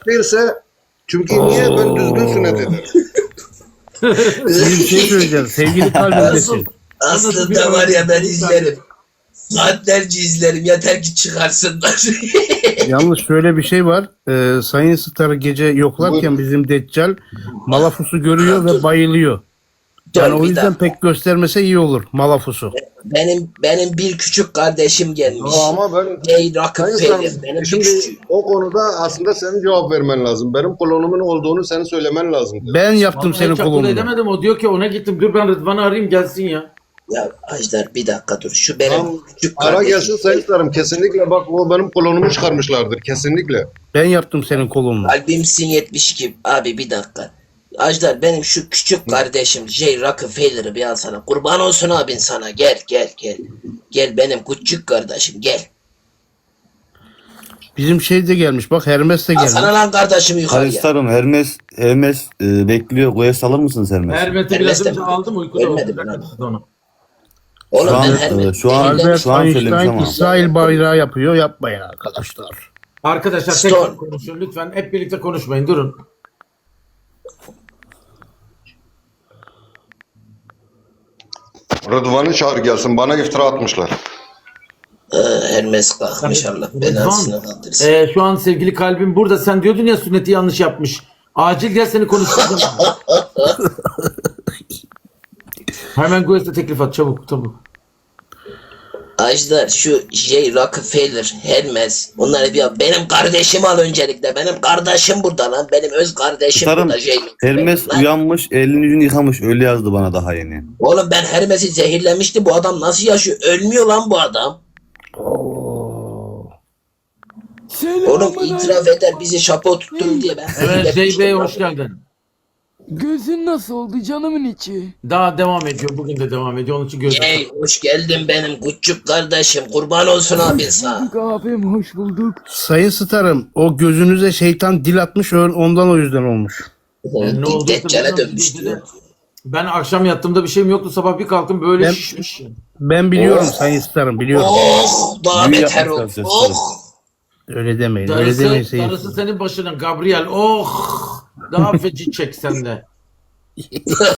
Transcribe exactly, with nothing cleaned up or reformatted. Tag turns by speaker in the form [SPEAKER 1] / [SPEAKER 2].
[SPEAKER 1] değilse çünkü niye ben düzgün sünnet ederim.
[SPEAKER 2] Bir şey söyleyeceğim. Sevgili kalbimdesin.
[SPEAKER 3] Aslında var ya ben izlerim. Saatlerce izlerim. Yeter ki çıkarsınlar.
[SPEAKER 2] Yalnız şöyle bir şey var. Ee, Sayın Star'ı gece yoklarken bizim Deccal Malafus'u görüyor ve bayılıyor. Yani
[SPEAKER 3] Dur
[SPEAKER 2] o
[SPEAKER 3] bir
[SPEAKER 2] yüzden
[SPEAKER 3] dakika.
[SPEAKER 2] pek göstermese iyi olur Malafus'u.
[SPEAKER 3] Benim benim bir küçük kardeşim gelmiş.
[SPEAKER 1] Ya ama ben
[SPEAKER 3] Ey Rockefeller.
[SPEAKER 1] Sayın
[SPEAKER 3] Benim bir
[SPEAKER 1] şimdi
[SPEAKER 3] küçük.
[SPEAKER 1] o konuda aslında senin cevap vermen lazım. Benim kolonumun olduğunu senin söylemen lazım.
[SPEAKER 2] Ben yaptım
[SPEAKER 4] Vallahi
[SPEAKER 2] senin
[SPEAKER 4] hiç akıl
[SPEAKER 2] kolunu.
[SPEAKER 4] edemedim. O diyor ki ona gittim. Dur ben Rıdvan'ı arayayım gelsin ya.
[SPEAKER 3] Ya Ajdar bir dakika dur. Şu benim
[SPEAKER 1] Tamam,
[SPEAKER 3] küçük
[SPEAKER 1] ara
[SPEAKER 3] kardeşim.
[SPEAKER 1] gelsin Sayın Starım. Kesinlikle bak o benim kolonumu çıkarmışlardır. Kesinlikle.
[SPEAKER 2] Ben yaptım senin kolunu.
[SPEAKER 3] Kalbimsin yetmiş iki. Abi bir dakika. Ajdar benim şu küçük kardeşim J. Rockefeller'ı bir alsana. Kurban olsun abin sana. Gel gel gel. Gel benim küçük kardeşim gel.
[SPEAKER 2] Bizim şey de gelmiş. Bak Hermes de gelmiş.
[SPEAKER 3] Alsana lan kardeşimi yukarıya.
[SPEAKER 5] Alistar'ım Hermes Hermes e, bekliyor. Goyes alır mısınız Hermes?
[SPEAKER 4] Hermet'i
[SPEAKER 3] Hermes
[SPEAKER 4] biraz
[SPEAKER 3] de
[SPEAKER 4] önce
[SPEAKER 3] mi?
[SPEAKER 4] aldım uykuda oldu.
[SPEAKER 3] Ölmedi mi lan?
[SPEAKER 4] Onu.
[SPEAKER 3] Oğlum
[SPEAKER 5] Şu an,
[SPEAKER 3] ben her
[SPEAKER 5] e, şu an-
[SPEAKER 3] zehirlenmiş-
[SPEAKER 2] Albert
[SPEAKER 5] Şu an söylemiş
[SPEAKER 2] Einstein
[SPEAKER 5] ama.
[SPEAKER 2] İsrail bayrağı yapıyor. Yapmayın arkadaşlar.
[SPEAKER 4] Arkadaşlar
[SPEAKER 3] Stone.
[SPEAKER 4] tekrar konuşun lütfen. Hep birlikte konuşmayın. Durun.
[SPEAKER 1] Rıdvan'ı çağır gelsin. Bana iftira atmışlar.
[SPEAKER 3] Ee, Hermes kalkmış Allah belasını kaldırsın.
[SPEAKER 4] Ee, şu an sevgili kalbim burada. Sen diyordun ya sünneti yanlış yapmış. Acil gel seni konuşturacağım. Hemen Goyes'e teklif at çabuk çabuk.
[SPEAKER 3] Ajdar şu J. Rockefeller, Hermes onları bir benim kardeşim al öncelikle. Benim kardeşim burada lan. Benim öz kardeşim
[SPEAKER 5] Starım
[SPEAKER 3] burada J. Rockefeller
[SPEAKER 5] Hermes
[SPEAKER 3] lan.
[SPEAKER 5] uyanmış elini yüzünü yıkamış. Öyle yazdı bana daha yeni.
[SPEAKER 3] Oğlum ben Hermes'i zehirlemişti. Bu adam nasıl yaşıyor? Ölmüyor lan bu adam. Oğlum itiraf eder bizi şapo tutturun diye ben
[SPEAKER 4] Evet
[SPEAKER 3] zehirlemiştim
[SPEAKER 4] J Bey
[SPEAKER 3] lan.
[SPEAKER 4] hoş geldin.
[SPEAKER 6] Gözün nasıl oldu canımın içi?
[SPEAKER 4] Daha devam ediyor. Bugün de devam ediyor. Onun için gözüm.
[SPEAKER 3] Ey hoş geldin benim küçük kardeşim. Kurban olsun abin sana.
[SPEAKER 6] Abim hoş bulduk.
[SPEAKER 2] Sayın Star'ım o gözünüze şeytan dil atmış ondan o yüzden olmuş.
[SPEAKER 4] Yani ne oldu?
[SPEAKER 3] Deccale dönmüş diyor.
[SPEAKER 4] Ben akşam yattığımda bir şeyim yoktu. Sabah bir kalktım böyle
[SPEAKER 2] Ben-
[SPEAKER 4] şişmiş.
[SPEAKER 2] Ben biliyorum
[SPEAKER 3] Oh.
[SPEAKER 2] Sayın Star'ım biliyorum.
[SPEAKER 3] Oh daha
[SPEAKER 5] Büyü
[SPEAKER 3] beter
[SPEAKER 5] yapmışlar
[SPEAKER 3] ol.
[SPEAKER 5] size,
[SPEAKER 3] Oh.
[SPEAKER 2] Öyle demeyin. Öyle demeyin
[SPEAKER 4] Darısı,
[SPEAKER 2] Sayın.
[SPEAKER 4] darısı senin başına Gabriel. Oh! Daha feci çek sen de.